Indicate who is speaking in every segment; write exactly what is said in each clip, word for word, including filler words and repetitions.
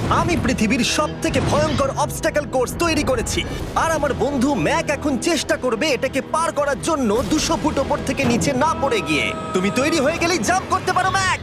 Speaker 1: আমি পৃথিবীর সব থেকে ভয়ঙ্কর অবস্টাকেল কোর্স তৈরি করেছি আর আমার বন্ধু ম্যাক এখন চেষ্টা করবে এটাকে পার করার জন্য দুশো ফুট ওপর থেকে নিচে না পড়ে গিয়ে। তুমি তৈরি হয়ে গেলেই জাম্প করতে পারো ম্যাক।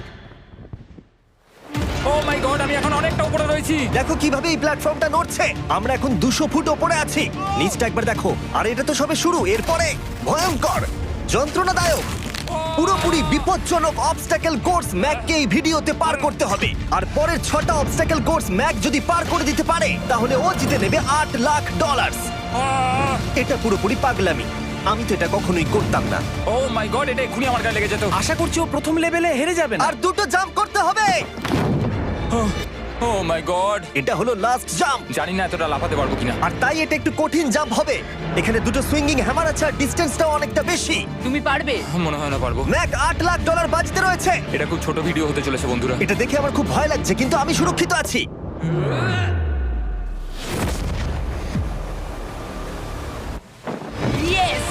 Speaker 2: ও মাই গড, আমি এখন অনেকটা উপরে রয়েছি।
Speaker 1: দেখো কিভাবে এই প্ল্যাটফর্মটা নড়ছে। আমরা এখন দুশো ফুট ওপরে আছি। নিচটা একবার দেখো। আর এটা তো সবে শুরু, এরপরে ভয়ঙ্কর, যন্ত্রণাদায়ক, পুরোপুরি বিপজ্জনক অবস্টাকেল কোর্স ম্যাককে এই ভিডিওতে পার করতে হবে। আর পরের ছটা অবস্টাকেল কোর্স ম্যাক যদি পার করে দিতে পারে তাহলে ও জিতে নেবে আট লাখ ডলার। এটা পুরোপুরি পাগলামি, আমি তো এটা কখনোই করতাম না।
Speaker 2: ও মাই গড, এটা এক্ষুনি আমার গায়ে লেগে যেত।
Speaker 3: আশা করছি ও প্রথম লেভেলে হেরে যাবে না।
Speaker 1: আর দুটো জাম্প করতে হবে।
Speaker 2: ও মাই গড,
Speaker 1: এটা হলো লাস্ট জাম্প।
Speaker 2: জানি না এতটা লাফাতে পারবো কিনা।
Speaker 1: আর তাই এটা একটু কঠিন জাম্প হবে। এখানে দুটো সুইঙ্গিং হ্যামার আছে আর ডিসটেন্সটাও অনেকটা বেশি।
Speaker 4: তুমি পারবে।
Speaker 2: মনে হয় না পারবো।
Speaker 1: ম্যাক আট লাখ ডলার বাজিতে রয়েছে।
Speaker 2: এটা খুব ছোট ভিডিও হতে চলেছে বন্ধুরা।
Speaker 1: এটা দেখে আমার খুব ভয় লাগছে, কিন্তু আমি সুরক্ষিত আছি।
Speaker 4: ইয়েস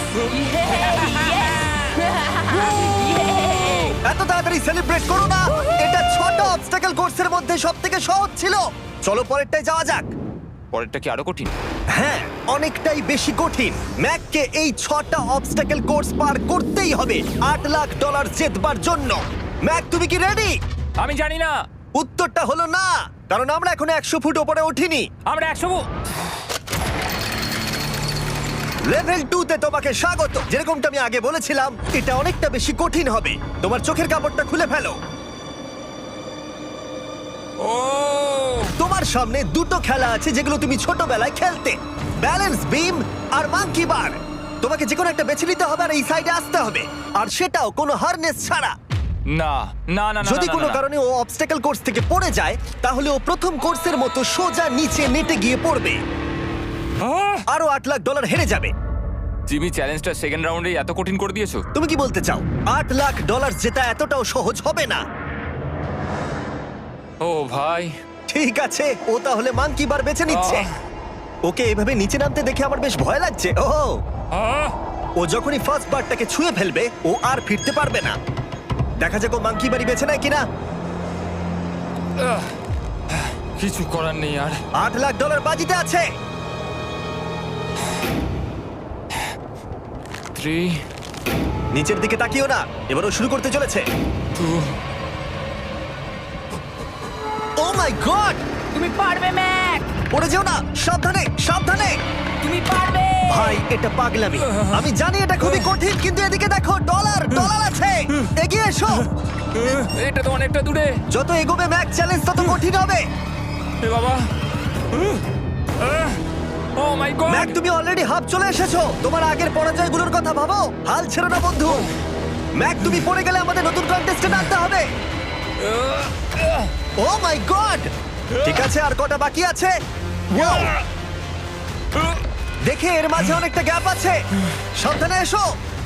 Speaker 1: এত তাড়াতাড়ি সেলিব্রেট করো না। এটা ছটা অবস্টাকেল কোর্সের মধ্যে সবথেকে সহজ ছিল। চলো পরেরটায় যাওয়া যাক।
Speaker 2: পরেরটা কি আরো কঠিন?
Speaker 1: হ্যাঁ, অনেকটাই বেশি কঠিন। ম্যাককে এই ছটা অবস্টাকেল কোর্স পার করতেই হবে আট লাখ ডলার জেতবার জন্য। ম্যাক, তুমি কি রেডি?
Speaker 2: আমি জানি না।
Speaker 1: উত্তরটা হলো না, কারণ আমরা এখন একশো ফুট ওপরে উঠিনি।
Speaker 2: আমরা একশো।
Speaker 1: লেভেল টু তে তোমাকে স্বাগত। যেরকমটা আমি আগে বলেছিলাম, এটা অনেকটা বেশি কঠিন হবে। তোমার চোখের কাপড়টা খুলে ফেলো।
Speaker 2: ও
Speaker 1: তোমার সামনে দুটো খেলা আছে যেগুলো তুমি ছোটবেলায় খেলতে, ব্যালেন্স বিম আর মাঙ্কি বার। তোমাকে যে কোনো একটা বেছে নিতে হবে আর এই সাইডে আসতে হবে, আর সেটাও কোনো হারনেস ছাড়া।
Speaker 2: না না না না,
Speaker 1: যদি
Speaker 2: না,
Speaker 1: কোনো
Speaker 2: না, না।
Speaker 1: কারণে ও অবস্টাকেল কোর্স থেকে পড়ে যায় তাহলে ও প্রথম কোর্সের মতো সোজা নিচে নেটে গিয়ে পড়বে,
Speaker 2: আহ!
Speaker 1: আরো আট লাখ ডলার হেরে যাবে।
Speaker 2: জিমি, চ্যালেঞ্জটা সেকেন্ড রাউন্ডে এত কঠিন করে দিয়েছো।
Speaker 1: তুমি কি বলতে চাও আট লাখ ডলার জেতা এতটাও সহজ হবে না?
Speaker 2: ও ভাই,
Speaker 1: ঠিক আছে, ও তাহলে মাঙ্কি বার বেছে নিচ্ছে।
Speaker 2: আহ।
Speaker 1: ওকে এভাবে নিচে নামতে দেখে আমার বেশ ভয় লাগছে। ও
Speaker 2: আহ!
Speaker 1: ও যখনই ফার্স্ট বারটাকে ছুঁয়ে ফেলবে ও আর ফিরতে পারবে না। দেখা যাক ও মাঙ্কি বাড়ি বেছে নেয় কিনা।
Speaker 2: আহ! কিছু করার নেই আর।
Speaker 1: আট লাখ ডলার বাজিতে আছে।
Speaker 2: থ্রি,
Speaker 1: নিচের দিকে তাকিও না, এবার ও শুরু করতে চলেছে।
Speaker 2: টু।
Speaker 1: ও মাই গড,
Speaker 4: তুমি পারবে ম্যাক।
Speaker 1: পড়ে যেও না, সাবধানে সাবধানে।
Speaker 4: তুমি পারবে।
Speaker 1: ভাই এটা পাগলামি, আমি জানি এটা খুবই কঠিন, কিন্তু এদিকে দেখো, ডলার ডলার আছে। এগিয়ে এসো।
Speaker 2: এটা তো অনেকটা দূরে।
Speaker 1: যত এগোবে ম্যাক চ্যালেঞ্জ তত কঠিন হবে।
Speaker 2: এ বাবা। Oh my God.
Speaker 1: ম্যাক, তুমি অলরেডি হাফ চলে এসেছো। তোমার আগের পরাজয়গুলোর কথা ভাবো, হাল ছেড়ো না বন্ধু। ম্যাক, তুমি পড়ে গেলে আমাদের নতুন কন্টেস্টেন্ট আনতে হবে। ও মাই গড, ঠিক আছে, আর কটা বাকি আছে? Wow! দেখে এর মাঝে অনেকটা গ্যাপ আছে। সাবধানে এসো।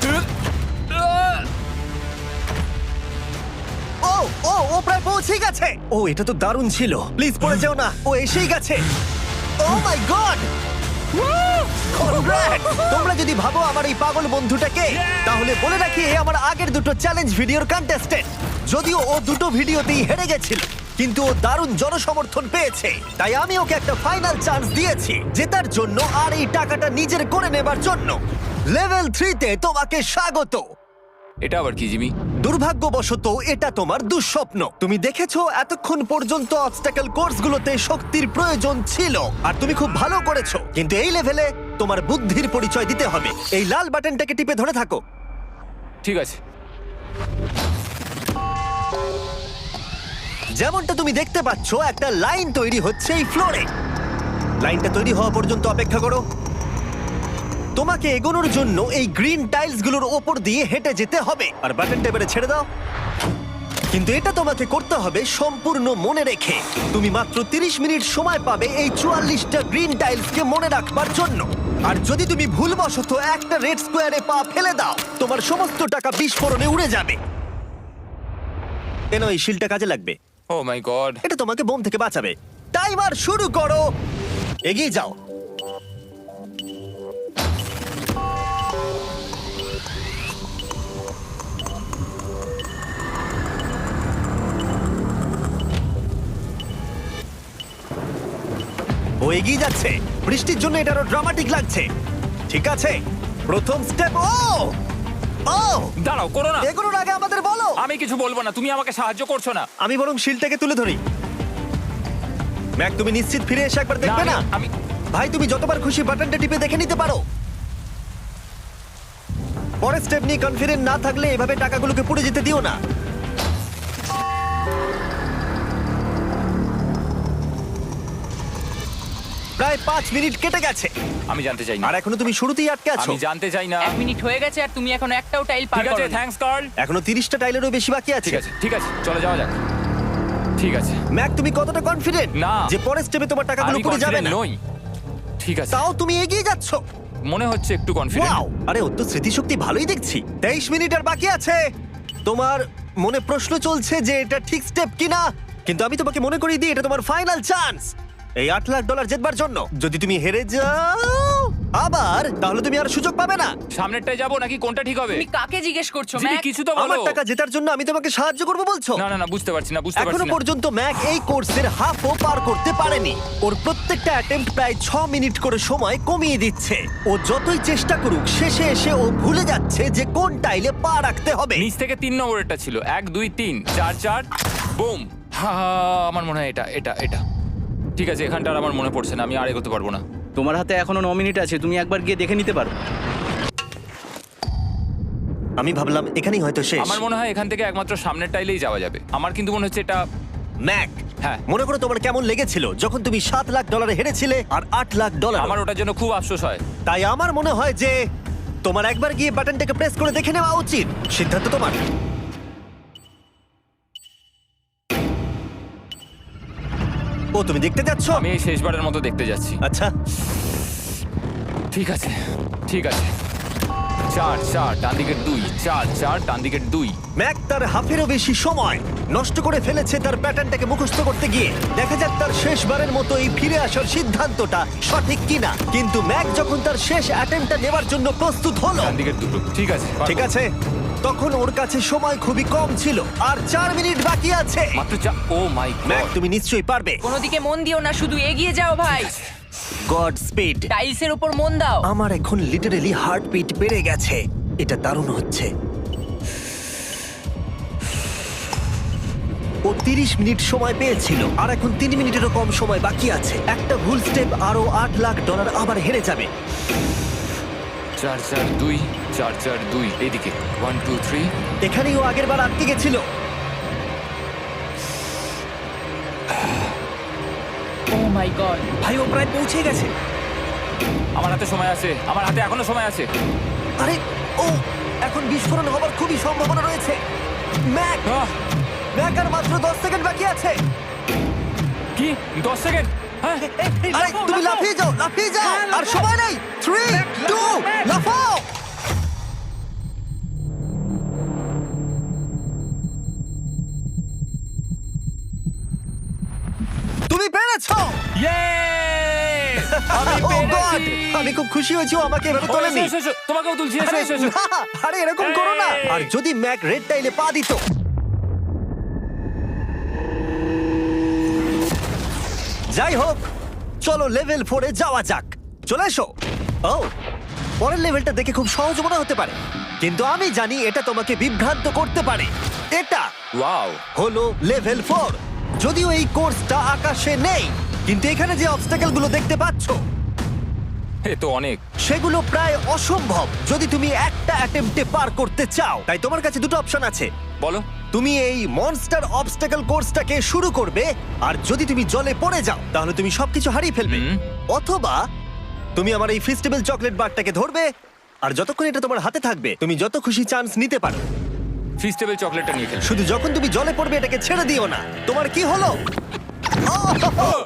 Speaker 1: ও ও ও প্রায় পৌঁছেই গেছে। ও এটা তো দারুণ ছিল। প্লিজ পড়ে যেও না, ও এসেই গেছে। Oh my God, congrats! তোমরা যদি ভাবো আমার এই পাগল বন্ধুটাকে, তাহলে বলে রাখি এ আমার আগের দুটো চ্যালেঞ্জ ভিডিওর কন্টেস্টেন্ট। যদিও ও দুটো ভিডিওতেই হেরে গেছিল, কিন্তু ও দারুণ জনসমর্থন পেয়েছে, তাই আমি ওকে একটা ফাইনাল চান্স দিয়েছি জেতার জন্য আর এই টাকাটা নিজের করে নেবার জন্য। লেভেল থ্রিতে তোমাকে স্বাগত।
Speaker 2: এটা আবার কি জিমি?
Speaker 1: দুর্ভাগ্যবশত এটা তোমার দুঃস্বপ্ন। তুমি দেখেছো এতক্ষণ পর্যন্ত অবস্টাকেল কোর্সগুলোতে শক্তির প্রয়োজন ছিল আর তুমি খুব ভালো করেছো, কিন্তু এই লেভেলে তোমার বুদ্ধির পরিচয় দিতে হবে। এই লাল বাটনটাকে টিপে ধরে থাকো।
Speaker 2: ঠিক আছে।
Speaker 1: যেমনটা তুমি দেখতে পাচ্ছ, একটা লাইন তৈরি হচ্ছে এই ফ্লোরে। লাইনটা তৈরি হওয়া পর্যন্ত অপেক্ষা করো। তোমাকে এগোনোর জন্য এই গ্রিন টাইলসগুলোর ওপর দিয়ে হেঁটে যেতে হবে। আর বাটনটা এবারে ছেড়ে দাও। কিন্তু এটা তোমাকে করতে হবে সম্পূর্ণ মনে রেখে। তুমি মাত্র তিরিশ মিনিট সময় পাবে এই চুয়াল্লিশটা গ্রিন টাইলসকে মনে রাখবার জন্য। আর যদি তুমি ভুলবশত একটা রেড স্কোয়ারে পা ফেলে দাও, তোমার সমস্ত টাকা বিস্ফোরণে উড়ে যাবে। কেন এই শিলটা কাজে লাগবে।
Speaker 2: Oh my God.
Speaker 1: এটা তোমাকে বোম থেকে বাঁচাবে। টাইমার শুরু করো, এগিয়ে যাও। ও এগিয়ে যাচ্ছে। বৃষ্টির জন্য এটা আরো ড্রামাটিক লাগছে। ঠিক আছে, প্রথম স্টেপ। ও ও
Speaker 2: দাঁড়াও, করো না।
Speaker 1: এগুলোর আগে আমাদের বলো।
Speaker 2: আমি কিছু বলবো না, তুমি আমাকে সাহায্য করছো না।
Speaker 1: আমি বরং শিলটাকে তুলে ধরি। ম্যাক, তুমি নিশ্চিত ফিরে এসে একবার দেখবে না?
Speaker 2: আমি
Speaker 1: ভাই, তুমি যতবার খুশি বাটনটা টিপে দেখে নিতে পারো। পরের স্টেপ নিয়ে কনফিডেন্ট না থাকলে এভাবে টাকাগুলোকে পুড়ে যেতে দিও না। প্রায় পাঁচ মিনিট কেটে গেছে
Speaker 2: আমি জানতে চাই না।
Speaker 1: আর এখনো তুমি শুরুতেই আটকে আছো।
Speaker 2: আমি জানতে চাই না।
Speaker 4: এক মিনিট হয়ে গেছে আর তুমি এখন একটাও টাইল পার
Speaker 2: ঠিক আছে,
Speaker 4: করোনি।
Speaker 2: Thanks Carl.
Speaker 1: এখনো তিরিশটা টাইলেরও বেশি বাকি আছে।
Speaker 2: ঠিক আছে, ঠিক আছে, চলে যাওয়া যাক। ঠিক আছে,
Speaker 1: ম্যাক, তুমি কতটা কনফিডেন্ট
Speaker 2: না।
Speaker 1: যে পরের স্টেপে তোমার টাকাগুলো
Speaker 2: আমি
Speaker 1: পুড়ে যাবে
Speaker 2: কনফিডেন্ট
Speaker 1: না?
Speaker 2: নই। ঠিক আছে,
Speaker 1: তাও তুমি এগিয়ে যাচ্ছ।
Speaker 2: মনে হচ্ছে একটু কনফিডেন্ট।
Speaker 1: ওয়াও, আরে ওর তো স্মৃতিশক্তি ভালোই দেখছি। তেইশ মিনিট আর বাকি আছে। তোমার মনে প্রশ্ন চলছে যে এটা ঠিক স্টেপ কিনা, কিন্তু আমি তোমাকে মনে করিয়ে দিই এটা তোমার ফাইনাল চান্স এই আট লাখ ডলার জেতবার জন্য। যদি তুমি হেরে যাও আবার, তাহলে তুমি আর সুযোগ পাবে না।
Speaker 2: সামনেরটায় যাবো নাকি কোনটা ঠিক হবে?
Speaker 4: তুমি কাকে জিজ্ঞেস করছো
Speaker 2: জিমি,
Speaker 4: ম্যাক?
Speaker 2: কিছু তো বলো।
Speaker 1: আমার টাকা জেতার জন্য আমি তোমাকে সাহায্য করবো বলছো?
Speaker 2: না না না, বুঝতে পারছি না, বুঝতে
Speaker 1: এখনো
Speaker 2: পারছি না।
Speaker 1: পর্যন্ত ম্যাক এই কোর্সের হাফও পার করতে পারেনি। ওর প্রত্যেকটা অ্যাটেম্প্ট প্রায় ছ মিনিট করে সময় কমিয়ে দিচ্ছে। ও যতই চেষ্টা করুক, শেষে এসে ও ভুলে যাচ্ছে যে কোন টাইলে পা রাখতে হবে।
Speaker 2: নিচ থেকে তিন নম্বরেরটা ছিল, এক দুই তিন চার চার বুম। হা হা, আমার মনে হয় এটা এটা এটা ঠিক আছে। এখানটা আর আমার মনে পড়ছে না, আমি আর এগোতে পারবো না।
Speaker 3: তোমার হাতে এখনো ন মিনিট আছে, তুমি একবার গিয়ে দেখে নিতে পারো।
Speaker 1: আমি ভাবলাম এখানেই হয়তো শেষ।
Speaker 2: আমার মনে হয় এখান থেকে একমাত্র সামনের টাইলেই যাওয়া যাবে। আমার কিন্তু মনে হচ্ছে এটা।
Speaker 1: ম্যাক,
Speaker 2: হ্যাঁ।
Speaker 1: মনে করো তোমার কেমন লেগেছিল যখন তুমি সাত লাখ ডলারে হেরেছিলে আর আট লাখ ডলার।
Speaker 2: আমার ওটার জন্য খুব আফসোস হয়।
Speaker 1: তাই আমার মনে হয় যে তোমার একবার গিয়ে বাটনটাকে প্রেস করে দেখে নেওয়া উচিত। সিদ্ধান্ত তোমার। ও, তুমি দেখতে যাচ্ছ?
Speaker 2: আমি এই শেষবারের মতো দেখতে যাচ্ছি।
Speaker 1: আচ্ছা,
Speaker 2: ঠিক আছে, ঠিক আছে। চার চার ডান দিকের দুই, চার চার ডান দিকের দুই।
Speaker 1: ম্যাক তার হাফেরও বেশি সময় নষ্ট করে ফেলেছে তার প্যাটার্নটাকে মুখস্থ করতে গিয়ে। দেখা যাক তার শেষবারের মতো এই ফিরে আসার সিদ্ধান্তটা সঠিক কিনা। কিন্তু ম্যাক যখন তার শেষ অ্যাটেম্পটা নেবার জন্য প্রস্তুত হলো,
Speaker 2: ডান দিকের দুটো। ঠিক আছে, পারবো।
Speaker 1: ঠিক আছে, তখন ওর কাছে সময় খুবই কম ছিল আর চার মিনিট বাকি আছে।
Speaker 2: মাত্র চা ও মাই
Speaker 1: ম্যাক,
Speaker 2: গড।
Speaker 1: তুমি নিশ্চয়ই পারবে।
Speaker 4: কোনো দিকে মন দিও না, শুধু এগিয়ে যাও ভাই।
Speaker 1: Godspeed.
Speaker 4: টাইলসের উপর মন দাও।
Speaker 1: আমার এখন লিটারালি হার্টবিট বেড়ে গেছে। এটা দারুণ হচ্ছে। ও তিরিশ মিনিট সময় পেয়েছিল আর এখন তিন মিনিটেরও কম সময় বাকি আছে। একটা ভুল স্টেপ আরো আট লাখ ডলার আবার হেরে যাবে।
Speaker 2: চার চার দুই, চার চার দুই, এইদিকে ওয়ান টু থ্রি।
Speaker 1: এখানেই ও আগের বার আটকে গেছিল।
Speaker 4: Oh my God.
Speaker 3: ভাই, ও প্রায় পৌঁছে গেছে।
Speaker 2: আমার হাতে সময় আছে, আমার হাতে এখনো সময় আছে।
Speaker 1: আরে ও, এখন বিস্ফোরণ হবার খুবই সম্ভাবনা রয়েছে। ম্যাক,
Speaker 2: আহ,
Speaker 1: ম্যাক আর মাত্র দশ সেকেন্ড বাকি আছে।
Speaker 2: কি দশ সেকেন্ড? হ্যাঁ,
Speaker 1: আরে তুমি লাফিয়ে যাও, লাফিয়ে যাও। আর সময় নেই। থ্রি, টু, লাফাও। তুমি পেরেছো।
Speaker 2: Yay! আমি
Speaker 1: Oh God!
Speaker 2: পেরেছি।
Speaker 1: আমি খুব খুশি হয়েছি ও আমাকে এভাবে
Speaker 2: ও,
Speaker 1: তোলেনি।
Speaker 2: এসো, এসো, এসো। তোমাকেও তুলছি, এসো,
Speaker 1: আরে
Speaker 2: এসো, এসো।
Speaker 1: না, আরে এরকম করো না।
Speaker 2: এই।
Speaker 1: আর যদি ম্যাক রেড টাইলে পা দিত। যাই হোক, চলো লেভেল ফোরে যাওয়া যাক। চলে এসো। ও, পরের লেভেলটা দেখে খুব সহজ মনে হতে পারে, কিন্তু আমি জানি এটা তোমাকে বিভ্রান্ত করতে পারে। এটা
Speaker 2: ওয়াও,
Speaker 1: হলো লেভেল ফোর। যদিও এই কোর্সটা আকাশে নেই, কিন্তু এখানে যে অবস্টাকেল গুলো দেখতে পাচ্ছো
Speaker 2: এ তো অনেক।
Speaker 1: সেগুলো প্রায় অসম্ভব যদি তুমি একটা অ্যাটেম্পটে পার করতে চাও। তাই তোমার কাছে দুটো অপশন আছে।
Speaker 2: বলো।
Speaker 1: তুমি এই মনস্টার অবস্টাকেল কোর্সটাকে শুরু করবে, আর যদি তুমি জলে পড়ে যাও তাহলে তুমি সবকিছু হারিয়ে ফেলবে।
Speaker 2: হুম।
Speaker 1: অথবা তুমি আমার এই ফেস্টিভ্যাল চকলেট বারটাকে ধরবে, আর যতক্ষণ এটা তোমার হাতে থাকবে তুমি যত খুশি চান্স নিতে পারো।
Speaker 2: ফিস্টেবল চকলেটটা নিয়ে খেলছি।
Speaker 1: শুধু যখন তুমি জলে পড়বে এটাকে ছেড়ে দিও না। তোমার কি হলো? ওহ!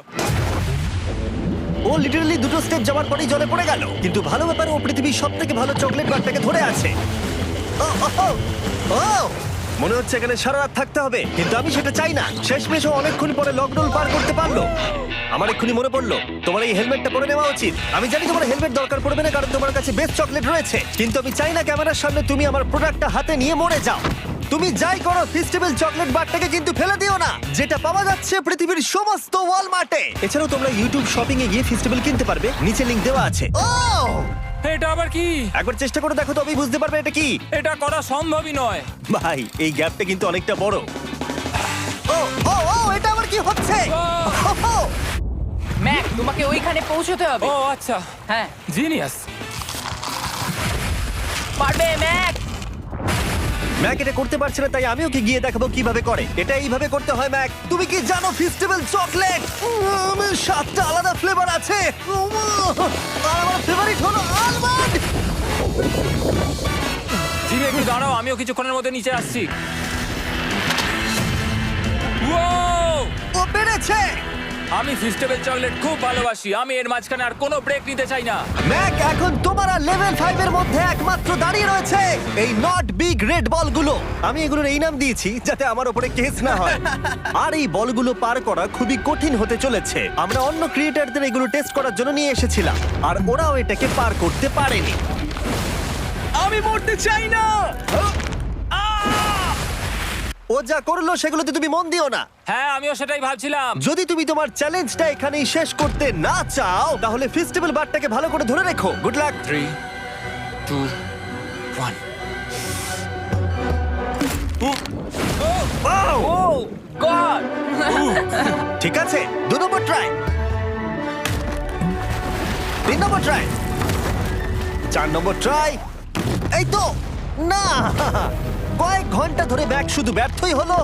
Speaker 1: ও লিটারালি দুটো স্টেপ যাওয়ার পরেই জলে পড়ে গেল। কিন্তু ভালো ব্যাপার, ও পৃথিবীর সব থেকে ভালো চকলেট বারটাকে ধরে আছে। ও, ও, ও, ও! মনে হচ্ছে এখানে সারা রাত থাকতে হবে, কিন্তু আমি সেটা চাই না। শেষমেশ ও অনেকক্ষণ পরে লকডাউন পার করতে পারলো। আমার এক্ষুনি মনে পড়লো তোমার এই হেলমেটটা পরে নেওয়া উচিত। আমি জানি তোমার হেলমেট দরকার পড়বে না, কারণ তোমার কাছে বেস্ট চকলেট রয়েছে, কিন্তু আমি চাই না ক্যামেরার সামনে তুমি আমার প্রোডাক্টটা হাতে নিয়ে মরে যাও। তুমি যাই করো ফেস্টিভ্যাল চকলেট বারটাকে কিন্তু ফেলে দিও না, যেটা পাওয়া যাচ্ছে পৃথিবীর সমস্ত ওয়ালমার্টে। এছাড়াও তোমরা ইউটিউব শপিং এ গিয়ে ফেস্টিভ্যাল কিনতে পারবে, নিচে লিংক দেওয়া আছে। ও
Speaker 2: এটা আবার কি?
Speaker 1: একবার চেষ্টা করে দেখো তবেই বুঝতে পারবে এটা কি।
Speaker 2: এটা করা সম্ভবই নয়।
Speaker 1: ভাই এই গ্যাপটা কিন্তু অনেকটা বড়। ও ও ও এটা আবার কি হচ্ছে?
Speaker 2: আহ!
Speaker 1: ওহো!
Speaker 4: ম্যাক, তোমাকে ওইখানে পৌঁছতে হবে।
Speaker 2: ও আচ্ছা,
Speaker 4: হ্যাঁ,
Speaker 2: জিনিয়াস।
Speaker 4: পারবে ম্যাক।
Speaker 1: ম্যাক এটা করতে পারছে না, তাই আমি ওকে গিয়ে দেখাবো কিভাবে করে। এটা এইভাবে করতে হয় ম্যাক। তুমি কি জানো ফেস্টিভ্যাল চকলেট উম, সাতটা আলাদা ফ্লেভার আছে। উম, আর আমার ফেভারিট হলো আলমন্ড।
Speaker 2: জিমি একটু দাঁড়াও, আমিও কিছুক্ষণের মধ্যে নিচে আসছি। Wow!
Speaker 1: ও পেরেছে।
Speaker 2: আমি ফেস্টিভ্যাল চকলেট খুব ভালোবাসি। আমি এর মাঝখানে আর কোনো ব্রেক নিতে চাই না।
Speaker 1: ম্যাক এখন তোমার আর লেভেল ফাইভ এর মধ্যে একমাত্র দাঁড়িয়ে রয়েছে এই নট বিগ রেড বলগুলো। আমি এগুলোর এই নাম দিয়েছি যাতে আমার উপরে কেস না হয়। আর এই বলগুলো পার করা খুবই কঠিন হতে চলেছে। আমরা অন্য ক্রিয়েটারদের এগুলো টেস্ট করার জন্য নিয়ে এসেছিলাম, আর ওরাও এটাকে পার করতে পারেনি।
Speaker 3: আমি মরতে চাই না।
Speaker 1: ও যা করলো সেগুলোতে তুমি মন দিও না।
Speaker 2: হ্যাঁ, আমিও সেটাই ভাবছিলাম।
Speaker 1: যদি তুমি তোমার চ্যালেঞ্জটা এখানেই শেষ করতে না চাও, তাহলে ফেস্টিভ্যাল বারটাকে ভালো করে ধরে রেখো। Good luck.
Speaker 2: Three two one.
Speaker 4: Oh God.
Speaker 1: ঠিক আছে, দু নম্বর ট্রাই, তিন নম্বর ট্রাই, চার নম্বর ট্রাই। এই তো না, কয়েক ঘন্টা ধরে ব্যাগ শুধু ব্যর্থই হলো,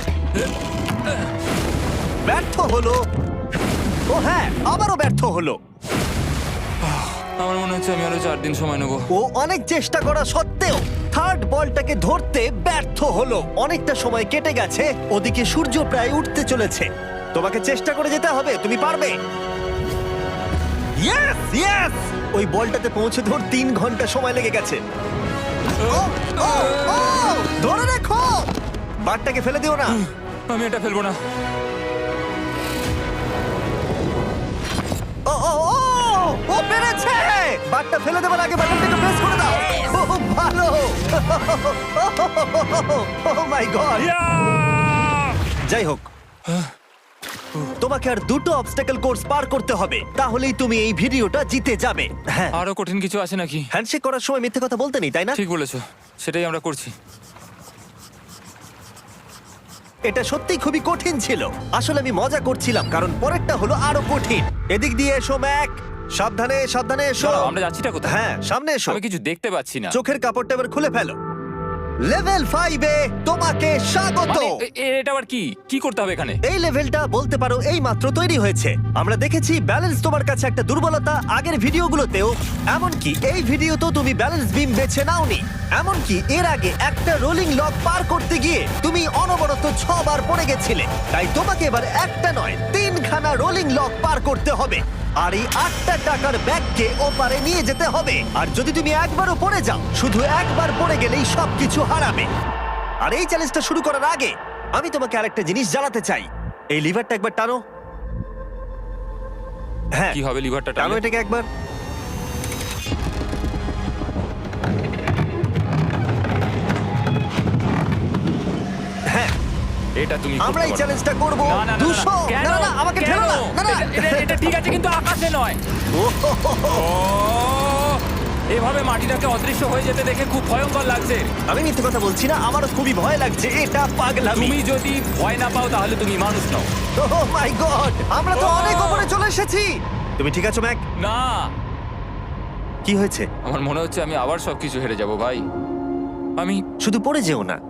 Speaker 1: ব্যর্থ হলো। ও হ্যাঁ, আবারও ব্যর্থ হলো।
Speaker 2: আমার মনে হচ্ছে আমি আরো চার দিন সময় নেবো।
Speaker 1: ও অনেক চেষ্টা করা সত্ত্বেও থার্ড বলটাকে ধরতে ব্যর্থ হলো। অনেকটা সময় কেটে গেছে, ওদিকে সূর্য প্রায় উঠতে চলেছে। তোমাকে চেষ্টা করে যেতে হবে, তুমি পারবে। ইয়েস ইয়েস, ওই বলটাতে পৌঁছে ধর তিন ঘন্টা সময় লেগে গেছে। ও, ও, ও, ধরে রেখো, বারটাকে ফেলে দিও না।
Speaker 2: আমি এটা ফেলবো না।
Speaker 1: ও ও ও ও পেরেছে। বারটা ফেলে দেবার আগে বাটনটাকে প্রেস করে দাও। খুব ভালো। Oh my God. যাই হোক, তোমাকে আর দুটো অবস্টাকেল কোর্স পার করতে হবে, তাহলেই তুমি এই ভিডিওটা জিতে যাবে। হ্যাঁ,
Speaker 2: আরো কঠিন কিছু আছে নাকি?
Speaker 1: হ্যান্ডশেক করার সময় মিথ্যে কথা বলতে নেই, তাই না?
Speaker 2: ঠিক বলেছো, সেটাই আমরা করছি।
Speaker 1: এটা সত্যিই খুবই কঠিন ছিল। আসলে আমি মজা করছিলাম, কারণ পরেরটা হলো আরো কঠিন। এদিক দিয়ে এসো ম্যাক, সাবধানে সাবধানে এসো।
Speaker 2: দাঁড়াও, আমরা যাচ্ছিটা কোথায়?
Speaker 1: হ্যাঁ, সামনে এসো।
Speaker 2: আমি কিছু দেখতে পাচ্ছি না।
Speaker 1: চোখের কাপড়টা এবার খুলে ফেলো। লেভেল ফাইভে তোমাকে স্বাগত।
Speaker 2: মানে, এ- এ- এটা আবার কি কি করতে হবে এখানে?
Speaker 1: এই লেভেলটা বলতে পারো এই মাত্র তৈরি হয়েছে। আমরা দেখেছি ব্যালেন্স তোমার কাছে একটা দুর্বলতা আগের ভিডিওগুলোতেও, এমনকি এই ভিডিওতেও তুমি ব্যালেন্স বিম বেছে নাওনি। এমনকি এর আগে একটা রোলিং লক পার করতে গিয়ে তুমি অনবরত ছবার পড়ে গেছিলে। তাই তোমাকে এবার একটা নয় তিনখানা রোলিং লক পার করতে হবে, আর এই আটটা টাকার ব্যাগকে ওপারে নিয়ে যেতে হবে। আর যদি তুমি একবারও পড়ে যাও, শুধু একবার পড়ে গেলেই সবকিছু হারাবে। আর এই চ্যালেঞ্জটা শুরু করার আগে আমি তোমাকে আরেকটা জিনিস জানাতে চাই। এই লিভারটা একবার টানো। হ্যাঁ,
Speaker 2: কি হবে লিভারটা
Speaker 1: টানো
Speaker 2: টানলে?
Speaker 1: এটাকে একবার। হ্যাঁ,
Speaker 2: এটা তুমি
Speaker 1: আমরা
Speaker 2: করতে
Speaker 1: এই
Speaker 2: পারো।
Speaker 1: চ্যালেঞ্জটা করব।
Speaker 2: না, না, না, না,
Speaker 1: দুশো
Speaker 2: কেন?
Speaker 1: না না না, আমাকে
Speaker 2: কেন?
Speaker 1: ঠেলো না। না না,
Speaker 2: এটা- এটা- এটা ঠিক আছে কিন্তু আকাশে নয়।
Speaker 1: ও, হো, হো, হো।
Speaker 2: ও, এভাবে মাটিটাকে অদৃশ্য হয়ে যেতে দেখে খুব ভয়ঙ্কর লাগছে।
Speaker 1: আমি মিথ্যে কথা বলছি না, আমারও খুবই ভয় লাগছে। এটা পাগলামি।
Speaker 2: তুমি যদি ভয় না পাও তাহলে তুমি মানুষ নও।
Speaker 1: ও মাই গড, আমরা তো
Speaker 2: ও!
Speaker 1: অনেক উপরে চলে এসেছি। তুমি ঠিক আছো ম্যাক?
Speaker 2: না,
Speaker 1: কি হয়েছে?
Speaker 2: আমার মনে হচ্ছে আমি আবার সবকিছু হেরে যাব ভাই। আমি
Speaker 1: শুধু পড়ে যেও না।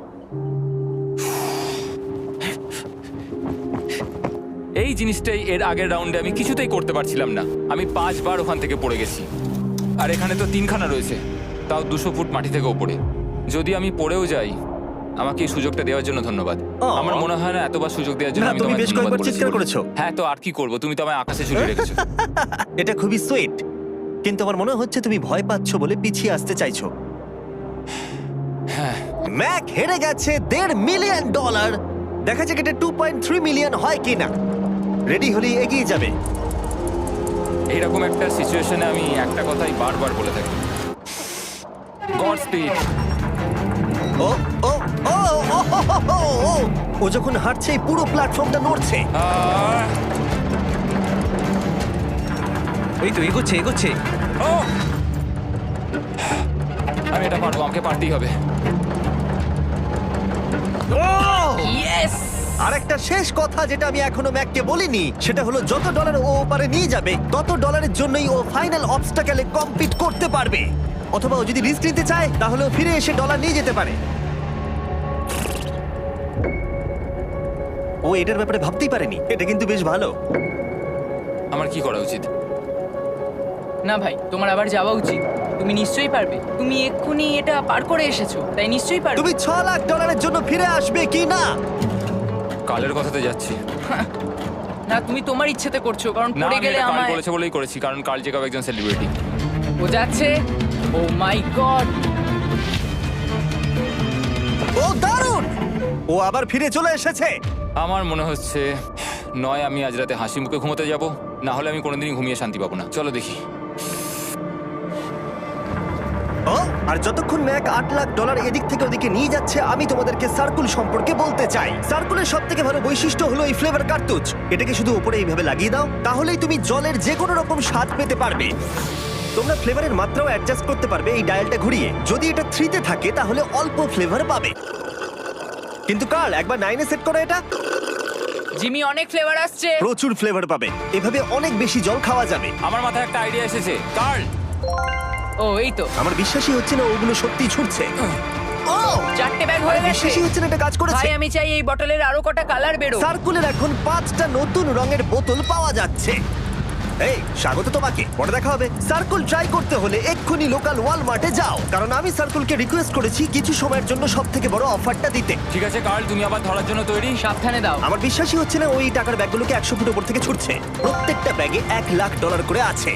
Speaker 2: এই জিনিসটাই এর আগের রাউন্ডে আমি কিছুতেই করতে পারছিলাম না। আমি পাঁচবার ওখান থেকে পড়ে গেছি, আর এখানে তো তিনখানা রয়েছে, তাও দুশো ফুট মাটি থেকে ওপরে। যদি আমি পড়েও যাই, আমাকে এই সুযোগটা দেওয়ার জন্য ধন্যবাদ।
Speaker 1: ও।
Speaker 2: আমার মনে হয় না এতবার সুযোগ দেওয়ার জন্য
Speaker 1: না,
Speaker 2: আমি
Speaker 1: তুমি
Speaker 2: তোমায়
Speaker 1: বেশ
Speaker 2: ধন্যবাদ
Speaker 1: কয়েকবার
Speaker 2: বলেছি
Speaker 1: চিৎকার
Speaker 2: বলে।
Speaker 1: করেছো।
Speaker 2: হ্যাঁ, তো আর কি করব, তুমি তো আমায় আকাশে ঝুলিয়ে রেখেছো।
Speaker 1: এটা খুবই সুইট, কিন্তু আমার মনে হচ্ছে তুমি ভয় পাচ্ছ বলে পিছিয়ে আসতে চাইছো।
Speaker 2: হ্যাঁ,
Speaker 1: ম্যাক হেরে গেছে দেড় মিলিয়ন ডলার। দেখা যাক এটা টু পয়েন্ট থ্রি মিলিয়ন হয় কিনা। রেডি হলে এগিয়ে যাবে।
Speaker 2: এইরকম একটা সিচুয়েশনে আমি একটা কথাই বারবার বলে থাকি, গড স্পিড।
Speaker 1: ও ও ও ও হো হো হো, ও, ও যখন হাঁটছে এই পুরো প্ল্যাটফর্মটা নড়ছে।
Speaker 2: আহ,
Speaker 3: এই তো এগোচ্ছে এগোচ্ছে
Speaker 2: ও! আমি এটা পারবো, আমাকে পারতেই হবে।
Speaker 4: ইয়েস!
Speaker 1: আর একটা শেষ কথা যেটা আমি এখনো ম্যাককে বলিনি সেটা হলো যত ডলার ও ওপারে নিয়ে যাবে তত ডলারের জন্যই ও ফাইনাল অবস্টাকেলে কমপ্লিট করতে পারবে। অথবা ও যদি রিস্ক নিতে চায় তাহলে ও ফিরে এসে ডলার নিয়ে যেতে পারে। ও এটার ব্যাপারে ভাবতেই পারেনি। এটা কিন্তু বেশ ভালো।
Speaker 2: আমার কি করা উচিত?
Speaker 4: না ভাই, তোমার আবার যাওয়া উচিত। তুমি নিশ্চয়ই পারবে। তুমি এক্ষুনি এটা পার করে এসেছো, তাই নিশ্চয়ই পারবে।
Speaker 1: তুমি ছ লাখ ডলারের জন্য ফিরে আসবে কি না?
Speaker 2: কালের কথাতে যাচ্ছি।
Speaker 4: না, তুমি তোমার ইচ্ছেতে করছো, কারণ
Speaker 2: না,
Speaker 4: পড়ে
Speaker 2: আমি
Speaker 4: গেলে
Speaker 2: এটা কাল
Speaker 4: আমায়।
Speaker 2: করেছে বলেই করেছি, কারণ কাল জেকাব একজন সেলিব্রিটি।
Speaker 4: ও যাচ্ছে। ও মাই গড!
Speaker 1: ও দারুণ! ও আবার ফিরে চলে এসেছে।
Speaker 2: আমার মনে হচ্ছে নয় আমি আজ রাতে হাসি মুখে ঘুমোতে যাব, না হলে আমি কোনোদিনই ঘুমিয়ে শান্তি পাবো না। চলো দেখি।
Speaker 1: ও আর যতক্ষণ ম্যাক আট লাখ ডলার এদিক থেকে ওদিকে নিয়ে যাচ্ছে আমি তোমাদেরকে সার্কুল সম্পর্কে বলতে চাই। সার্কুলের সব থেকে ভালো বৈশিষ্ট্য হলো এই ফ্লেভার কার্তুজ। এটাকে শুধু উপরে এইভাবে লাগিয়ে দাও, তাহলেই তুমি জলের যে কোনো রকম স্বাদ পেতে পারবে। তোমরা ফ্লেভারের মাত্রাও অ্যাডজাস্ট করতে পারবে এই ডায়ালটা ঘুরিয়ে। যদি এটা থ্রিতে থাকে তাহলে অল্প ফ্লেভার পাবে, কিন্তু কাল একবার নাইনে সেট করো এটা,
Speaker 4: জিমি, অনেক ফ্লেভার আসছে।
Speaker 1: প্রচুর ফ্লেভার পাবে। এভাবে অনেক বেশি জল খাওয়া যাবে।
Speaker 2: আমার মাথায় একটা আইডিয়া এসেছে। কার্ল,
Speaker 4: ও এই তো,
Speaker 1: আমার বিশ্বাসই হচ্ছে না ওগুলো সত্যিই ছুটছে। ও
Speaker 4: চারটে ব্যাগ হয়ে গেছে।
Speaker 1: বিশ্বাসই হচ্ছে না এটা কাজ করেছে।
Speaker 4: ভাই, আমি চাই এই বটলের আরো কটা কালার বেরো।
Speaker 1: সার্কুলের এখন পাঁচটা নতুন রঙের বোতল পাওয়া যাচ্ছে। এই স্বাগত তোমাকে, পরে দেখা হবে। সার্কুল ট্রাই করতে হলে এক্ষুনি লোকাল ওয়ালমার্টে যাও, কারণ আমি সার্কুলকে রিকোয়েস্ট করেছি কিছু সময়ের জন্য সব থেকে বড় অফারটা দিতে।
Speaker 2: ঠিক আছে কার্ল, তুমি আবার ধরার জন্য তৈরি?
Speaker 4: সাবধানে দাও।
Speaker 1: আমার বিশ্বাসই হচ্ছে না ওই টাকার ব্যাগগুলোকে একশো ফুট উপর থেকে ছুটছে। প্রত্যেকটা ব্যাগে এক লাখ ডলার করে আছে।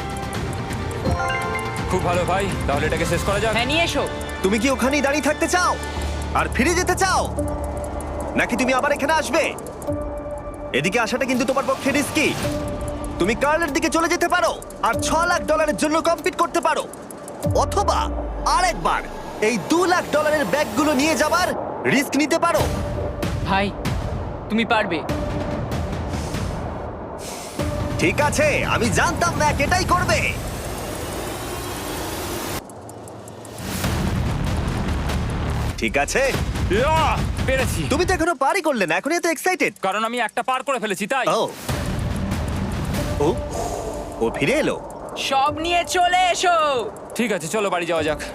Speaker 2: খুব ভালো ভাই, তাহলে এটাকে শেষ করা যাক।
Speaker 4: হ্যাঁ, নিয়ে এসো।
Speaker 1: তুমি কি ওখানেই দাঁড়িয়ে থাকতে চাও আর ফিরে যেতে চাও, নাকি তুমি আবার এখানে আসবে? এদিকে আসাটা কিন্তু তোমার পক্ষে রিস্কি। তুমি কার্লের দিকে চলে যেতে পারো আর ছ লাখ ডলারের জন্য কম্পিট করতে পারো, অথবা আরেকবার এই দু লাখ ডলারের ব্যাগগুলো নিয়ে যাবার রিস্ক নিতে পারো।
Speaker 4: ভাই, তুমি পারবে।
Speaker 1: ঠিক আছে, আমি জানতাম ম্যাক এটাই করবে। ঠিক আছে,
Speaker 2: ইয়া, পেরেছি।
Speaker 1: তুমি তো এখনো পারই করলে না, এখন এত এক্সাইটেড।
Speaker 2: কারণ আমি একটা পার করে ফেলেছি তাই।
Speaker 1: ও ও ও ফিরে এলো।
Speaker 4: সব নিয়ে চলে এসো।
Speaker 2: ঠিক আছে, চলো বাড়ি যাওয়া যাক।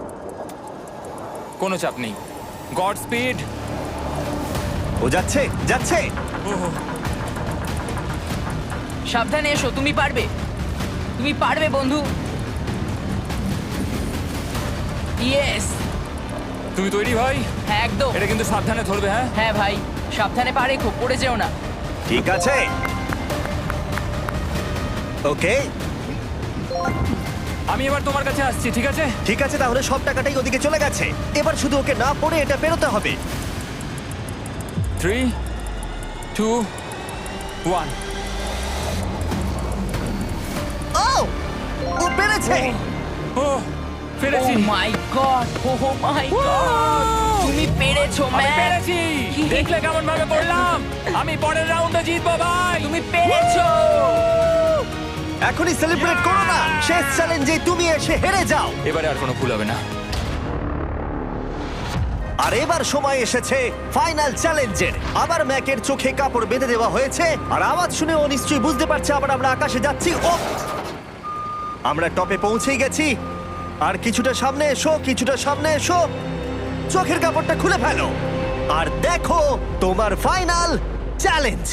Speaker 2: কোনো চাপ নেই। God speed.
Speaker 1: ও যাচ্ছে যাচ্ছে।
Speaker 4: সাবধানে এসো, তুমি পারবে। তুমি পারবে বন্ধু। ইয়েস!
Speaker 2: তুমি তৈরি ভাই?
Speaker 4: হ্যাঁ, একদম।
Speaker 2: এটা কিন্তু সাবধানে ধরবে। হ্যাঁ
Speaker 4: হ্যাঁ ভাই, সাবধানে পারে, খুব পড়ে যেও না।
Speaker 1: ঠিক আছে, ওকে
Speaker 2: আমি এবার তোমার কাছে আসছি। ঠিক আছে
Speaker 1: ঠিক আছে, তাহলে সব টাকাটাই ওদিকে চলে গেছে। এবার শুধু ওকে না পড়ে এটা পেরোতে হবে।
Speaker 2: Three two one.
Speaker 1: ও ও পেরেছে।
Speaker 2: ও পেরেছি।
Speaker 4: Oh my God! Oh my God! তুমি পেরেছো
Speaker 2: আমি
Speaker 4: ম্যান!
Speaker 2: পেরেছি। দেখলে কেমন ভাবে পড়লাম? আমি পরের রাউন্ডে জিতবো ভাই।
Speaker 4: তুমি পেরেছো!
Speaker 1: এখনই সেলিব্রেট করো না, শেষ চ্যালেঞ্জে তুমি এসে হেরে যাও।
Speaker 2: এবারে আর কোনো ভুল হবে না।
Speaker 1: আর এবার সময় এসেছে ফাইনাল চ্যালেঞ্জের। আবার ম্যাকের চোখে কাপড় বেঁধে দেওয়া হয়েছে, আর আওয়াজ শুনে ও নিশ্চয়ই বুঝতে পারছে আবার আমরা আকাশে যাচ্ছি। ও আমরা টপে পৌঁছেই গেছি। আর কিছুটা সামনে এসো, কিছুটা সামনে এসো। চোখের কাপড়টা খুলে ফেলো আর দেখো তোমার ফাইনাল চ্যালেঞ্জ।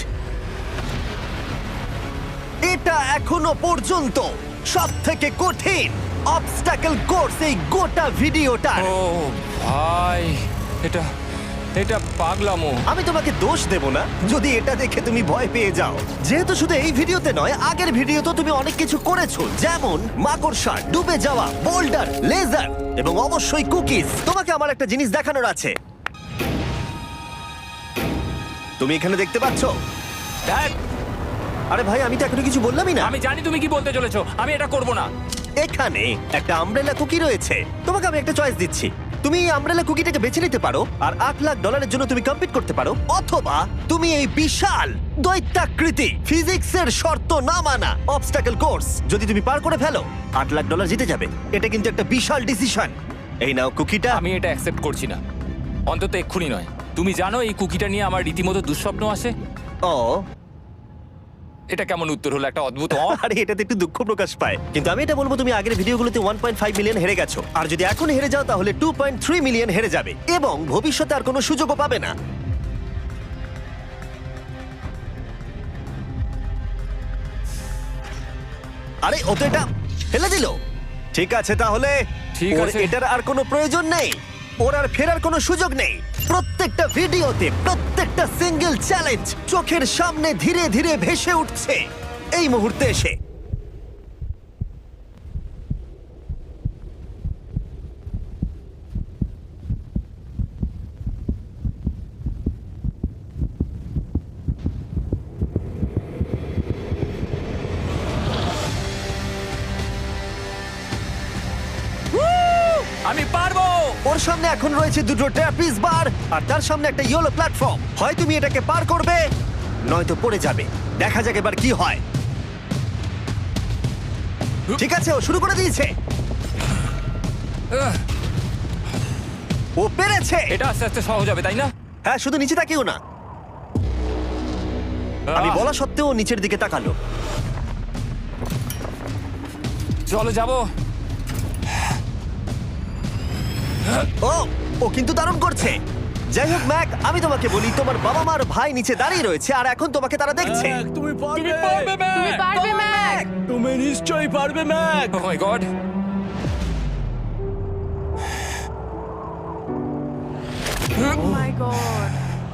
Speaker 1: এটা এখনো পর্যন্ত সব থেকে কঠিন অবস্টাকেল কোর্স এই গোটা ভিডিওটা।
Speaker 2: ও ভাই, এটা এটা পাগলামো।
Speaker 1: আমি তোমাকে দোষ দেব না যদি এটা দেখে তুমি ভয় পেয়ে যাও, যেহেতু শুধু এই ভিডিওতে নয়, আগের ভিডিওতে তুমি অনেক কিছু করেছো, যেমন মাকড়সা, ডুবে যাওয়া, বোল্ডার, লেজার এবং অবশ্যই কুকিজ। তোমাকে আমার একটা জিনিস দেখানোর আছে। তুমি এখানে দেখতে পাচ্ছো?
Speaker 2: দেখ,
Speaker 1: আরে ভাই আমি তো এখনো কিছু বললামই না।
Speaker 2: আমি জানি তুমি কি বলতে চলেছো, আমি এটা করব না।
Speaker 1: এখানে একটা আমব্রেলা কুকি রয়েছে, তোমাকে আমি একটা চয়েস দিচ্ছি। তুমি এই আমব্রেলা কুকিটাকে বেছে নিতে পারো আর আট লাখ ডলারের জন্য তুমি কম্পিট করতে পারো, অথবা তুমি এই বিশাল দৈত্যাকৃতি ফিজিক্সের শর্ত না মানা অবস্টাকল কোর্স যদি তুমি পার করে ফেলো আট লাখ ডলার জিতে যাবে। এটা কিন্তু একটা বিশাল ডিসিশন। এই নাও কুকিটা।
Speaker 2: আমি এটা অ্যাকসেপ্ট করছি না, অন্তত এক্ষুনি নয়। তুমি জানো এই কুকিটা নিয়ে আমার রীতিমতো দুঃস্বপ্ন আসে।
Speaker 1: ও
Speaker 2: এটা কেমন উত্তর হলো, একটা অদ্ভুত অ।
Speaker 1: আরে এটাতে একটু দুঃখ প্রকাশ পায়, কিন্তু আমি এটা বলবো তুমি আগের ভিডিওগুলোতে ওয়ান পয়েন্ট ফাইভ মিলিয়ন হেরে গেছো, আর যদি এখন হেরে যাও তাহলে টু পয়েন্ট থ্রি মিলিয়ন হেরে যাবে এবং ভবিষ্যতে আর কোনো সুযোগও পাবে না। আরে ও তো এটা ফেলে দিল। ঠিক আছে তাহলে
Speaker 2: ঠিক
Speaker 1: ওর
Speaker 2: আছে।
Speaker 1: এটার আর কোনো প্রয়োজন নেই, ওর আর ফেরার কোনো সুযোগ নেই। প্রত্যেকটা ভিডিওতে প্রত্যেকটা সিঙ্গেল চ্যালেঞ্জ চোখের সামনে ধীরে ধীরে ভেসে উঠছে এই মুহূর্তে এসে।
Speaker 2: আমি পারবো।
Speaker 1: ওর সামনে এখন রয়েছে দুটো ট্র্যাপিজ বার আর তার সামনে একটা ইয়েলো প্ল্যাটফর্ম। হয় তুমি এটাকে পার করবে নয়তো পড়ে যাবে। দেখা যাক এবার কি হয়। ঠিক আছে ও শুরু করে দিয়েছে,
Speaker 2: আহ,
Speaker 1: ও পেরেছে।
Speaker 2: এটা আস্তে আস্তে সহজ হবে, তাই না?
Speaker 1: হ্যাঁ শুধু নিচে তাকিও না। আমি
Speaker 2: আহ,
Speaker 1: বলা সত্ত্বেও ও নিচের দিকে তাকালো।
Speaker 2: চলো যাবো।
Speaker 1: ও ও কিন্তু দারুণ করছে। যাই হোক ম্যাক, আমি তোমাকে বলি তোমার বাবা মার ভাই নিচে দাঁড়িয়ে রয়েছে আর এখন তোমাকে তারা দেখছে।
Speaker 5: ম্যাক, তুমি পারবে
Speaker 4: তুমি পারবে ম্যাক।
Speaker 5: তুমি নিশ্চয়ই পারবে Mac.
Speaker 2: Oh my God.
Speaker 6: Oh my god.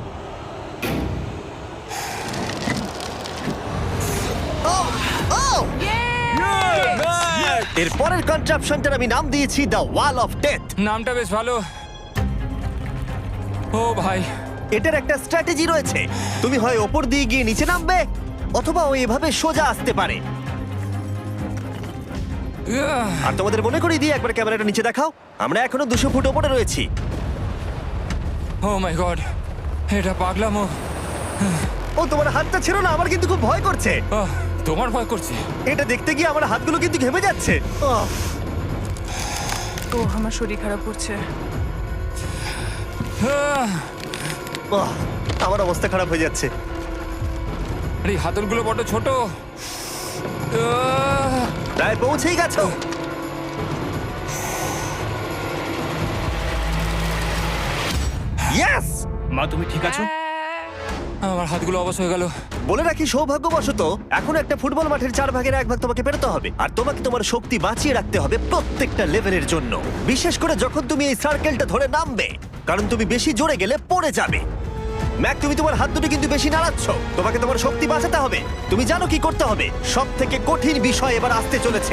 Speaker 1: Oh oh
Speaker 5: Mac!
Speaker 1: এর পরের কনট্রাপশনটার আমি নাম দিয়েছি দ্য ওয়াল অফ ডেথ।
Speaker 2: নামটা বেশ ভালো। ও ভাই,
Speaker 1: এটার একটা স্ট্র্যাটেজি রয়েছে, তুমি হয় ওপর দিয়ে গিয়ে নিচে নামবে অথবা ও এভাবে সোজা আসতে পারে।
Speaker 2: আহ,
Speaker 1: আর তোমাদের মনে করিয়ে দিয়ে একবার ক্যামেরাটা নিচে দেখাও, আমরা এখনো দুশো ফুট ওপরে রয়েছি।
Speaker 2: ও মাই গড, এটা পাগলামো।
Speaker 1: ও তোমার হাতটা ছিল না, আমার কিন্তু খুব ভয় করছে।
Speaker 2: আহ, তোমার ভয় করছে?
Speaker 1: এটা দেখতে গিয়ে আমার হাতগুলো কিন্তু ঘেমে যাচ্ছে। আহ,
Speaker 6: ও আমার শরীর খারাপ করছে।
Speaker 2: আহ,
Speaker 1: আহ, আমার অবস্থা খারাপ হয়ে যাচ্ছে।
Speaker 2: আরে এই হাতলগুলো বড় ছোট। আহ,
Speaker 1: প্রায় পৌঁছেই গেছো। ইয়েস!
Speaker 5: মা তুমি ঠিক আছো?
Speaker 2: আমার হাতগুলো অবশ হয়ে গেল।
Speaker 1: বলে রাখি সৌভাগ্যবশত এখন একটা ফুটবল মাঠের চার ভাগের এক ভাগ তোমাকে পেরোতে হবে, আর তোমাকে তোমার শক্তি বাঁচিয়ে রাখতে হবে প্রত্যেকটা লেভেলের জন্য, বিশেষ করে যখন তুমি এই সার্কেলটা ধরে নামবে, কারণ তুমি বেশি জোরে গেলে পড়ে যাবে। ম্যাক তুমি তোমার হাত দুটো কিন্তু বেশি নাড়াচ্ছ, তোমাকে তোমার শক্তি বাঁচাতে হবে। তুমি জানো কি করতে হবে। সব থেকে কঠিন বিষয় এবার আসতে চলেছে।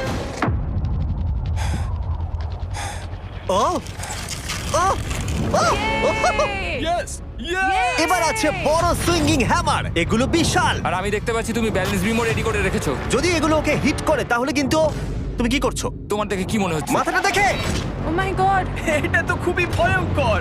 Speaker 1: Oh oh oh!
Speaker 5: Yes! Yes!
Speaker 1: এবার আছে বড় সুইঙ্গিং হ্যামার, এগুলো বিশাল।
Speaker 2: আর আমি দেখতে পাচ্ছি তুমি ব্যালেন্স বিমও রেডি করে রেখেছো।
Speaker 1: যদি এগুলো ওকে হিট করে তাহলে কিন্তু তুমি কি করছো
Speaker 2: তোমার দেখে কি মনে হচ্ছে?
Speaker 1: মাথাটা দেখে?
Speaker 6: Oh my God.
Speaker 5: এটা তো খুবই ভয়ঙ্কর।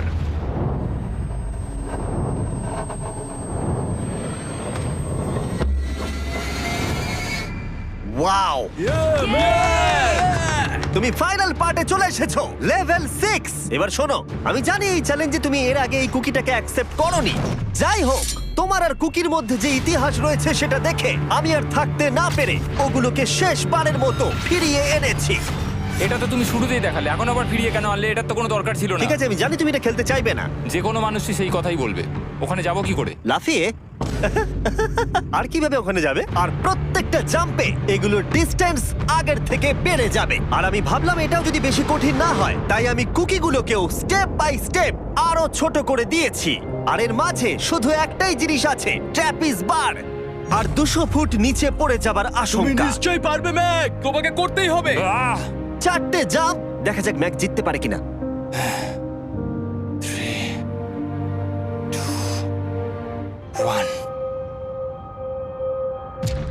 Speaker 1: Wow,
Speaker 5: Mac!
Speaker 1: তুমি ফাইনাল পার্টে চলে এসেছো, লেভেল সিক্স। এবার শোনো, আমি জানি এই চ্যালেঞ্জে তুমি এর আগে এই কুকিটাকে অ্যাকসেপ্ট করোনি। যাই হোক, তোমার আর কুকির মধ্যে যে ইতিহাস রয়েছে সেটা দেখে আমি আর থাকতে না পেরে ওগুলোকে শেষবারের মতো ফিরিয়ে এনেছি।
Speaker 2: এটা তো তুমি শুরুতেই দেখালে, এখন আবার ফিরিয়ে কেন আনলে? এটার তো কোনো দরকার ছিল না।
Speaker 1: ঠিক আছে আমি জানি তুমি এটা খেলতে চাইবে না।
Speaker 2: যে কোনো মানুষই সেই কথাই বলবে। ওখানে যাবো কি করে?
Speaker 1: লাফিয়ে? আর কিভাবে ওখানে যাবে? আর প্রত্যেকটা জাম্পে এগুলোর ডিস্টেন্স আগের থেকে বেড়ে যাবে। আর আমি ভাবলাম এটাও যদি বেশি কঠিন না হয়, তাই আমি কুকিগুলোকেও স্টেপ বাই স্টেপ আরো ছোট করে দিয়েছি। আর এর মাঝে শুধু একটাই জিনিস আছে, ট্র্যাপিজ বার। আর দুশো ফুট নিচে পড়ে যাবার
Speaker 5: তুমি
Speaker 1: আশঙ্কা।
Speaker 5: নিশ্চয়ই পারবে ম্যাক, তোমাকে করতেই হবে।
Speaker 2: আহ,
Speaker 1: চারটে জাম্প, দেখা যাক ম্যাক জিততে পারে কিনা।
Speaker 2: one.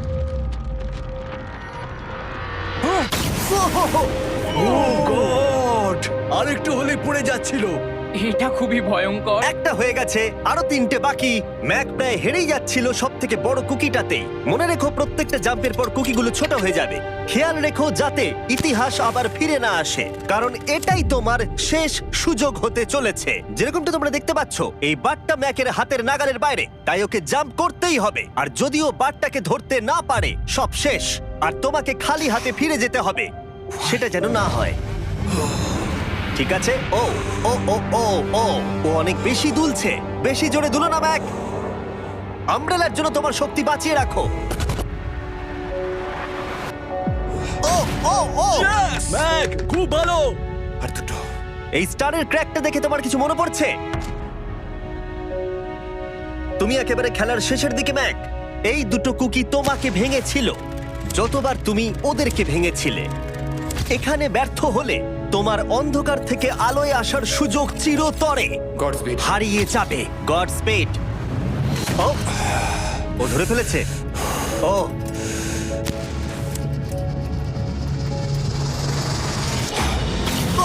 Speaker 1: ও
Speaker 5: গড আরেকটু হলে পড়ে যাচ্ছিল।
Speaker 4: এটা খুবই ভয়ঙ্কর।
Speaker 1: একটা হয়ে গেছে, আরো তিনটে বাকি। ম্যাক প্রায় হেরেই যাচ্ছিল সব থেকে বড় কুকিটাতে। মনে রেখো প্রত্যেকটা জাম্পের পর কুকিগুলো ছোট হয়ে যাবে। খেয়াল রেখো যাতে ইতিহাস আবার ফিরে না আসে, কারণ এটাই তোমার শেষ সুযোগ হতে চলেছে। যেরকমটা তোমরা দেখতে পাচ্ছ, এই বারটা ম্যাকের হাতের নাগালের বাইরে, তাই ওকে জাম্প করতেই হবে। আর যদিও বারটাকে ধরতে না পারে, সব শেষ। আর তোমাকে খালি হাতে ফিরে যেতে হবে, সেটা যেন না হয়। ঠিক আছে। ও ও ও ও ও ও অনেক বেশি দুলছে। বেশি জোরে দুলো না ম্যাক। আমব্রেলার জন্য তোমার শক্তি বাঁচিয়ে রাখো। ও ও ও
Speaker 5: ম্যাক খুব ভালো।
Speaker 1: আর দুটো। এই স্টারের ক্র্যাকটা দেখে তোমার কিছু মনে পড়ছে? তুমি একেবারে খেলার শেষের দিকে ম্যাক। এই দুটো কুকি তোমাকে ভেঙেছিল যতবার তুমি ওদেরকে ভেঙেছিলে। এখানে ব্যর্থ হলে তোমার অন্ধকার থেকে আলোয় আসার সুযোগ চিরতরে
Speaker 2: গডসপিড।
Speaker 1: হারিয়ে যাবে। গড স্পেড। ও ও ধরে ফেলেছে। ও ও,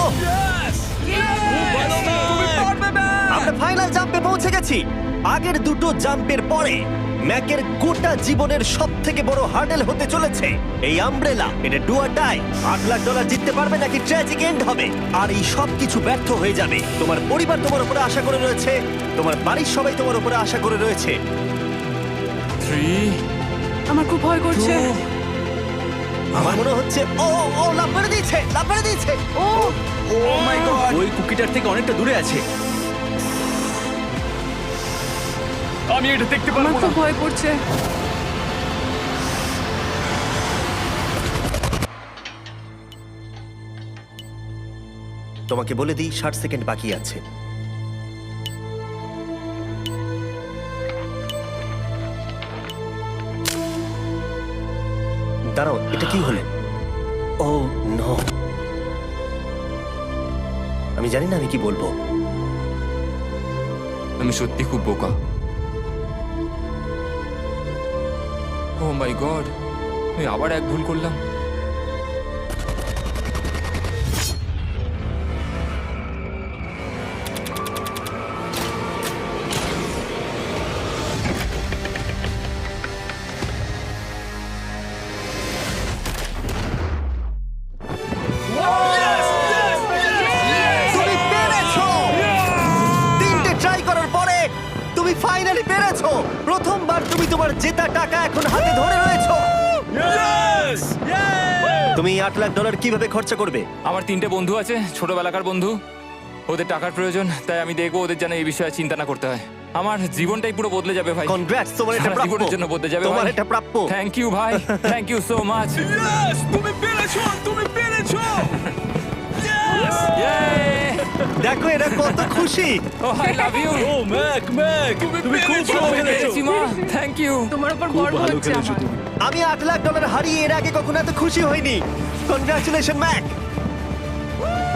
Speaker 1: আমরা ফাইনাল জাম্পে পৌঁছে গেছি। আগের দুটো জাম্পের পরে ম্যাকের গোটা জীবনের সব থেকে বড় হার্ডেল হতে চলেছে এই আমব্রেলা। এটা ডু অর ডাই। আট লাখ ডলার জিততে পারবে নাকি ট্র্যাজিক এন্ড হবে। আর এই সব কিছু ব্যর্থ হয়ে যাবে। তোমার পরিবার তোমার উপরে আশা করে রয়েছে, তোমার বাড়ির সবাই তোমার উপরে আশা করে রয়েছে।
Speaker 2: থ্রি
Speaker 6: আমার খুব ভয় করছে।
Speaker 1: আমার মনে হচ্ছে ও ও লাভ মেরে দিয়েছে, লাভ মেরে দিয়েছে।
Speaker 6: ও
Speaker 3: ও মাই গড, ওই কুকিটার থেকে অনেকটা দূরে আছে।
Speaker 5: আমি এটা দেখতে
Speaker 6: আমার
Speaker 5: পারবো
Speaker 6: খুব
Speaker 5: না।
Speaker 6: ভয় করছে।
Speaker 1: তোমাকে বলে দিই ষাট সেকেন্ড বাকি আছে। দাঁড়াও, এটা কি হলো? ও নো, আমি জানি না আমি কি বলবো।
Speaker 2: আমি সত্যি খুব বোকা। ও মাই গড, আমি আবার এক ভুল করলাম।
Speaker 1: তুমি পেরেছো! তিনটে ট্রাই করার পরে তুমি ফাইনালি পেরেছো। প্রথমবার তুমি তোমার জেতা টাকা এখন হাতে ধরে রয়েছো।
Speaker 5: Yes!
Speaker 1: তুমি আট লাখ ডলার কিভাবে খরচা করবে?
Speaker 2: আমার তিনটে বন্ধু আছে, ছোটবেলাকার বন্ধু। ওদের টাকার প্রয়োজন, তাই আমি দেখবো ওদের যেন এই বিষয়ে চিন্তা না করতে হয়। আমার জীবনটাই পুরো বদলে যাবে ভাই।
Speaker 1: কনগ্রাটস, তোমার এটা
Speaker 2: সারা
Speaker 1: প্রাপ্য।
Speaker 2: জীবনের জন্য বদলে যাবে
Speaker 1: তোমার
Speaker 2: ভাই।
Speaker 1: এটা প্রাপ্য।
Speaker 2: থ্যাংক ইউ ভাই, thank you so much.
Speaker 5: Yes! তুমি পেরেছো, তুমি পেরেছো।
Speaker 1: দেখো এরা কত খুশি।
Speaker 2: Oh I love you.
Speaker 5: Oh Mac, Mac তুমি খুব ভালো খেলেছো।
Speaker 2: মা, থ্যাংক ইউ।
Speaker 6: তোমার উপর গর্ব হচ্ছে আমার।
Speaker 1: আমি আট লাখ ডলার হারিয়ে এর আগে কখনো এত খুশি হইনি। Congratulation Mac.